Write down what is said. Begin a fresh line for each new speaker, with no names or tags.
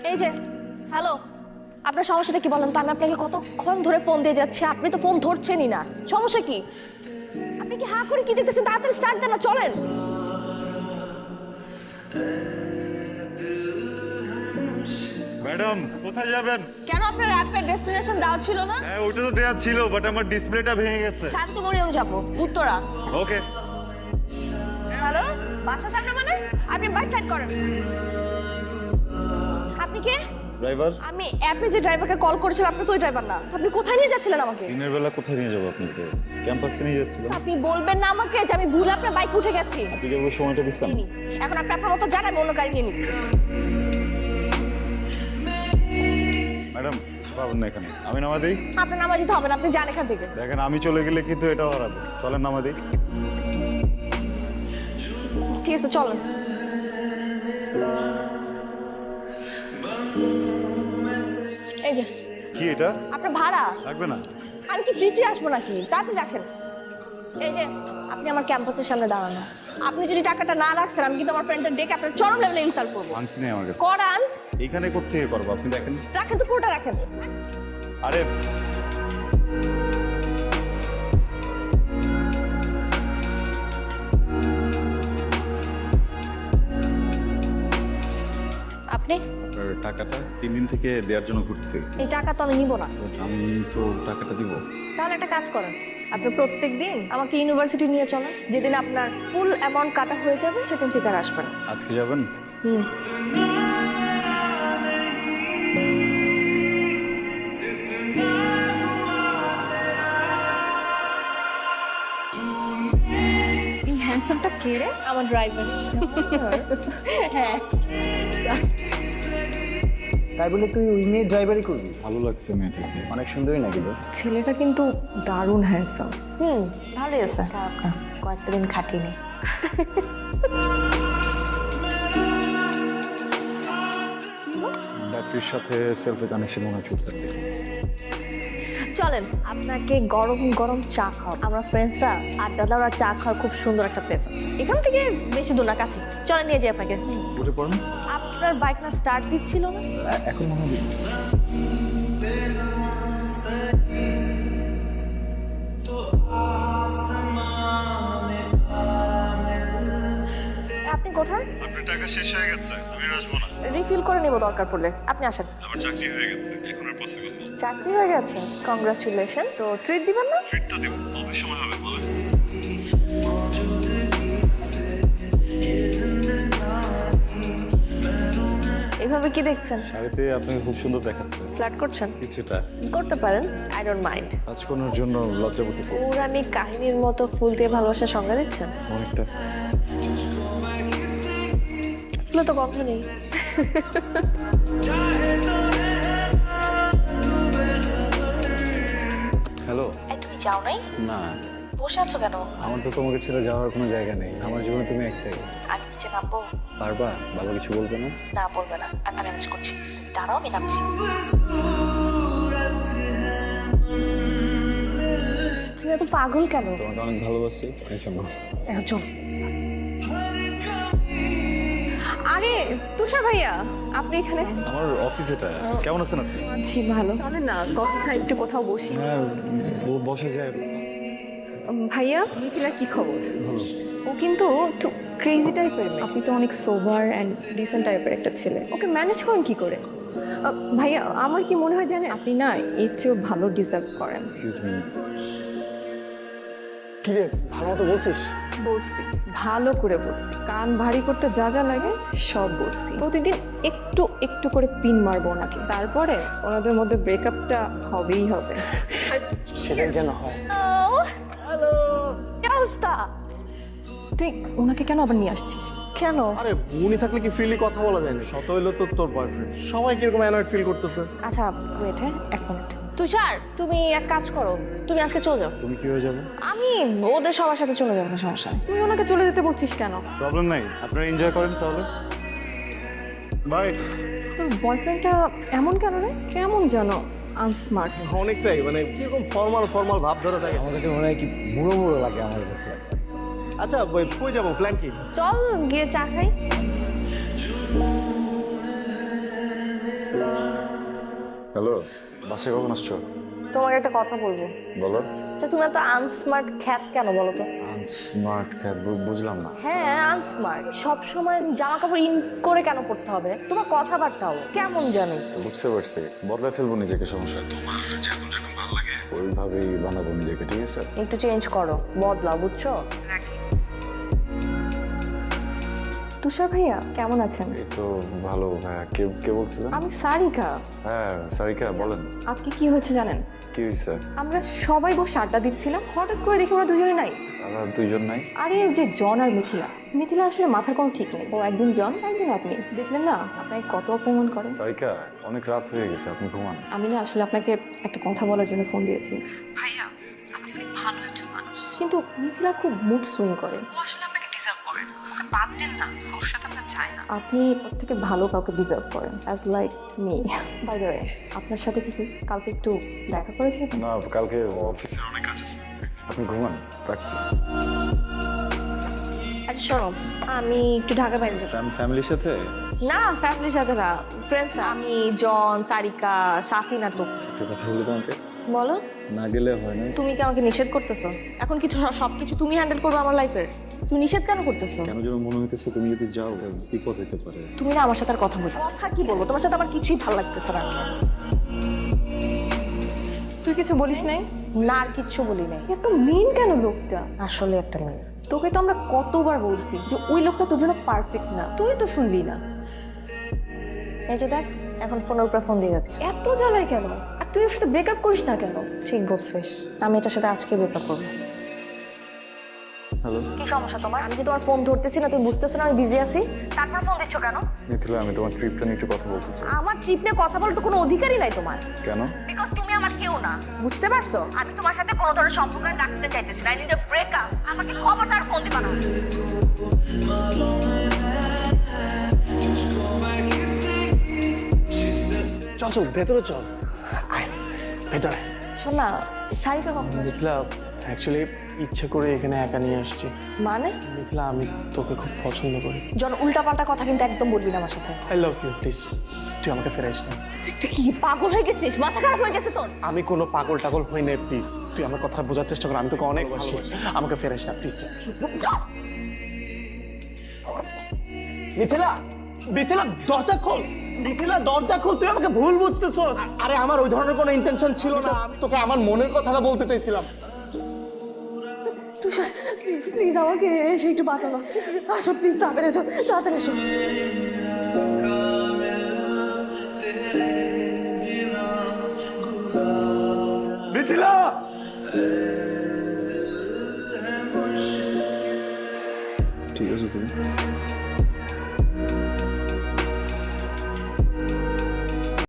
এই যে হ্যালো, আপনার সমস্যাটা কি বলেন তো? আমি আপনাকে কতক্ষণ ধরে ফোন দিয়ে যাচ্ছি, আপনি তো ফোন ধরছেনই না। সমস্যা কি? আপনি কি হা করে কি দেখতেছেন? তাড়াতাড়ি স্টার্ট দেন না, চলেন।
ম্যাডাম কোথায় যাবেন?
কেন আপনার অ্যাপের ডেস্টিনেশন দেওয়া ছিল না?
হ্যাঁ ওটা তো দেয়া ছিল, বাট আমার ডিসপ্লেটা ভেঙে গেছে।
শান্তমরিয়ম যাবো, উত্তরা।
ওকে।
হ্যালো, বাসা সামনে মানে? আপনি বাইক সাইড করেন। আপনি কে?
ড্রাইভার।
আমি অ্যাপে যে ড্রাইভারকে কল করেছিলাম, আপনি তো ওই ড্রাইভার না। আপনি কোথায় নিয়ে যাচ্ছিলেন আমাকে?
দিনের বেলা কোথায় নিয়ে যাবো আপনাকে? ক্যাম্পাসে নিয়ে যাচ্ছিলাম।
আপনি বলবেন না আমাকে যে আমি ভুল আপনার বাইকে উঠে গেছি?
আপনি যেভাবে সময়টা দিচ্ছেন।
এই নিন। এখন আপনি আপনার মতো যান, আমি অন্য গাড়ি নিয়ে নিচ্ছি।
ম্যাডাম পাবেন না এখানে, আমি নামা দিই।
আপনার নামা দিতে হবে না, আপনি যান এখান থেকে।
দেখেন আমি চলে গেলে কিন্তু এটাও হারাবো। চলেন নামা দিই।
ঠিক আছে চলেন। এই যে
কি এটা?
আপনার ভাড়া।
লাগবে না।
আমি কি ফ্রি আসবো নাকি? তাড়াতাড়ি রাখেন। এই যে আপনি আমার ক্যাম্পাসের সামনে দাঁড়ানো, আপনি যদি টাকাটা না রাখছেন আমি কিন্তু আমার ফ্রেন্ডদের ডেকে আপনার চরম লেভেলে ইনসাল্ট করবো।
আংটি নেই আমার কাছে।
করান।
এখানে কোত্থেকে করবো আপনি দেখেন।
রাখেন তো, পুরোটা রাখেন।
আরে
আপনি
আপনার টাকাটা 3 দিন থেকে দেওয়ার জন্য ঘুরছি।
এই টাকা তো আমি নিব না।
আমি তো টাকাটা দিব।
তাহলে একটা কাজ করেন, আপনি প্রত্যেক দিন আমাকে ইউনিভার্সিটি নিয়ে চলেন। যেদিন আপনার ফুল অ্যামাউন্ট কাটা হয়ে যাবে সেদিন থেকে আর আসবেন।
আজকে যাবেন?
হুম।
এই হ্যান্ডসামটা কে রে?
আমার ড্রাইভার। হ্যাঁ।
তাই বলে তুই ওই মেয়ে ড্রাইভারই করবি?
ভালো লাগছে মেয়েটাকে।
অনেক সুন্দরী নাকি দোস্ত?
ছেলেটা কিন্তু দারুণ হ্যান্ডসাম।
ভালোই আছে। কয়েকটা দিন খাটিয়ে নি।
ব্যাটারির সাথে সেলফি কানেকশন মনে হচ্ছে।
চলেন আপনাকে গরম গরম চা খাওয়া। আমরা ফ্রেন্ডসরা আড্ডা দেওয়ার আর চা খাওয়ার খুব সুন্দর একটা প্লেস আছে এখান থেকে, বেশি দূর না, কাছে। চলেন নিয়ে যাই আপনাকে।
উঠে পড়ুন।
আপনার বাইক না স্টার্ট দিচ্ছিল না?
এখন মনে হয়
আপনি কোথায়?
আপনার টাকা শেষ হয়ে গেছে, আমি আর আসবো না।
রিফিল করে নেব দরকার পড়লে। আপনি আসেন।
আমার চাকরি হয়ে গেছে, এখন আর পসিবল না।
চাকরি হয়ে গেছে? কংগ্রাচুলেশন। তো ট্রিট দিবেন না?
ট্রিটটা দেব, তবে সময় হবে বলে।
এভাবে কি দেখছেন?
শাড়িতে আপনাকে খুব সুন্দর দেখাচ্ছে।
ফ্ল্যাট করছেন?
কিছুটা।
করতে পারেন, আই ডোন্ট মাইন্ড।
রাজকন্যার জন্য লজ্জাবতী ফুল।
পৌরাণিক কাহিনীর মতো ফুল দিয়ে ভালোবাসার সংজ্ঞা দিচ্ছেন?
অনেকটা।
ফুলে তো গন্ধ নেই।
হ্যালো।
তুমি যাও নাই?
না,
বসে আছো কেন?
আমার তো তোমাকে ছেড়ে যাওয়ার কোনো জায়গা নেই। আমার জীবনে তুমি একটাই।
আমি নিচে নামবো?
পারবা? বাবা কিছু বলবে না?
না, বলবে না। আমি ম্যানেজ করছি। দাঁড়াও, আমি নামছি। তুমি এত পাগল কেন?
তোমাকে অনেক ভালোবাসি, এই জন্য।
এখন চল।
আরে তুষার ভাইয়া, আপনি এখানে?
আমার অফিস এটা। কেমন আছেন আপনি?
আছি ভালো। চলে না কথা একটু কোথাও বসি।
হ্যাঁ, বসে যায়।
ভাইয়া মিথিলার কি খবর? ও কিন্তু একটু ক্রেজি টাইপের মেয়ে। আপনি তো অনেক সোবার অ্যান্ড ডিসেন্ট টাইপের একটা ছেলে, ওকে ম্যানেজ করেন কি করে? ভাইয়া আমার কি মনে হয় জানেন, আপনি না এর চেয়েও ভালো ডিজার্ভ করেন।
Excuse me.
কি রে, ভালো মতো বলছিস?
বলছি, ভালো করে বলছি, কান ভারী করতে যা যা লাগে সব বলছি। প্রতিদিন একটু একটু করে পিন মারবো ওনাকে, তারপরে ওনাদের মধ্যে ব্রেকআপটা হবেই হবে।
সেটাই যেন হয়।
হ্যালো, কি অবস্থা?
তুই ওনাকে কেন আবার নিয়ে আসছিস?
কেন?
আরে উনি থাকলে কি ফ্রিলি কথা বলা যায় না? শত হইলো তো তোর বয়ফ্রেন্ড, সবাই কিরকম অ্যানয়েড ফিল করতেছে।
আচ্ছা ওয়েট, হ্যাঁ 1 মিনিট। তুষার, তুমি এক কাজ করো, তুমি আজকে চলে যাও।
তুমি কি হয়ে যাবে?
আমি ওদের সবার সাথে চলে যাবো, না সমস্যা নেই।
তুই ওনাকে চলে যেতে বলছিস কেন?
প্রবলেম নাই, আপনারা এনজয় করেন তাহলে। বাই।
তোর বয়ফ্রেন্ডটা এমন কেন রে? কেমন জানো আনস্মার্ট।
অনেকটাই, মানে কিরকম ফর্মাল ফর্মাল ভাব ধরে থাকে। আমার কাছে মনে হয় কি বুড়ো বুড়ো লাগে আমার কাছে। আচ্ছা কই যাবো, প্ল্যান কি?
চল গিয়ে চা খাই।
হ্যালো, বাসে কখন আসছো?
তোমাকে একটা কথা বলবো।
বলো।
আচ্ছা তুমি এত আনস্মার্ট খ্যাত কেন বলো তো?
স্মার্ট খ্যাত বুঝলাম না।
হ্যাঁ আনস্মার্ট, সব সময় জামা কাপড় ইন করে কেন পড়তে হবে? তোমার কথাবার্তাও কেমন জানো?
বুঝতে পারছি, বদলায় ফেলবো নিজেকে, সমস্যা তোমার যেরকম যেরকম ভালো লাগে ওইভাবেই বানাবো নিজেকে, ঠিক আছে?
একটু চেঞ্জ করো, বদলাও, বুঝছো? রাখি।
তুষার ভাইয়া কেমন আছেন?
এই তো ভালো। হ্যাঁ, কে কে বলছিলেন?
আমি সারিকা।
হ্যাঁ সারিকা, বলেন।
আজকে কি হয়েছে জানেন?
কি হয়েছে?
আমরা সবাই বসে আড্ডা দিচ্ছিলাম, হঠাৎ করে দেখি ওরা দুজনে নাই।
আমরা দুইজন নাই?
আরে ওই যে জন আর মিথিলা আসলে মাথার কোনো ঠিক নেই। ও একদিন জন, একদিন আপনি। দেখলেন না আপনাকে কত অপমান করে।
সারিকা, অনেক রাত হয়ে গেছে, আপনি ঘুমান।
আমি না আসলে আপনাকে একটা কথা বলার জন্য ফোন দিয়েছি। ভাইয়া, আপনি অনেক ভালো একজন মানুষ, কিন্তু মিথিলা খুব মুড সুইং করে। ও আসলে আপনাকে ডিজার্ভ করে না। ওকে বাদ দেন না, ওর সাথে আপনার চাই না। আপনি ওর থেকে ভালো কাউকে ডিজার্ভ করেন, as like me. By the way, আপনার সাথে কি কালকে একটু দেখা করেছে?
না, কালকে অফিসে অনেক কাজ আছে, আপনি ঘুমান, রাখছি।
আচ্ছা শোনো, আমি একটু ঢাকার বাইরে যাবো।
ফ্যামিলির সাথে?
না ফ্যামিলির সাথে না, ফ্রেন্ডস। আমি, জন, সারিকা, সাফিন আর তো।
একটা কথা বলি তোমাকে,
বলো।
না গেলে হয় না।
তুমি কি আমাকে নিষেধ করতেছো? এখন কিছু সবকিছু তুমি হ্যান্ডেল করবে আমার লাইফের? তুমি নিষেধ কেন করতেছো?
কেন যেন মনে হইতেছে তুমি যদি যাও বিপদ হইতে পারে।
তুমি না আমার সাথে আর কথা বলো। কথা কি বলবো? তোমার সাথে আমার কিছুই ভালো লাগতেছে না।
তুই কিছু বলিস নাই?
না, আর কিচ্ছু বলি নাই।
এত মেন কেন লোকটা?
আসলে একটা মেয়ে।
তোকে তো আমরা কতবার বলছি যে ওই লোকটা তোর জন্য পারফেক্ট না, তুই তো শুনলি না।
এই যে দেখ, এখন ফোনের উপর ফোন দিয়ে যাচ্ছে।
এত জ্বালায় কেন? আর তুই ওর সাথে ব্রেকআপ করিস না কেন?
ঠিক বলছিস, আমি এটার সাথে আজকে ব্রেকআপ করবো।
হ্যালো
কি সমস্যা তোমার? আমি কি তোমার ফোন ধরতেছি না? তুমি বুঝতেছো না আমি বিজি আছি? তারপর ফোন দিচ্ছ কেন?
মিথিলা, আমি তোমার ট্রিপটা নিয়ে একটু কথা বলতে চাই।
আমার ট্রিপ নিয়ে কথা বলার তো কোনো অধিকারই নাই তোমার।
কেন?
বিকজ তুমি আমার কেউ না, বুঝতে পারছো? আমি তোমার সাথে কোনো ধরনের সম্পর্ক রাখতে চাইতেছি না। I need a breakup. আমাকে খবরদার ফোন দিবা না।
চল চল ভেতরে চল, আয় ভেতরে।
শোন না, সারিকা কখন?
মিথিলা, অ্যাকচুয়ালি ইচ্ছে করে এখানে একা নিয়ে আসছি।
মানে?
মিথিলা, আমি তোকে খুব পছন্দ করি।
জন, উল্টাপাল্টা কথা কিন্তু একদম বলবি না আমার সাথে।
আই লাভ ইউ, প্লিজ তুই আমাকে ফেরাইস না।
তুই কি পাগল হয়ে গেছিস? মাথা খারাপ হয়ে গেছে তোর?
আমি কোনো পাগল টাগল হই না, প্লিজ তুই আমার কথা বোঝার চেষ্টা কর। আমি তোকে অনেক ভালোবাসি, আমাকে ফেরাইস না প্লিজ। মিথিলা, মিথিলা দরজা খোল, মিথিলা দরজা খোল, তুই আমাকে ভুল বুঝতেছ। আরে আমার ওই ধরনের কোনো ইন্টেনশন ছিল না, আমি তোকে আমার মনের কথাটা বলতে চাইছিলাম।
তুষার, প্লিজ প্লিজ আমাকে এসে একটু বাঁচানো। আসো প্লিজ, তাড়াতাড়ি এসো, তাড়াতাড়ি এসো।
মিথিলা! ঠিক আছে তুমি?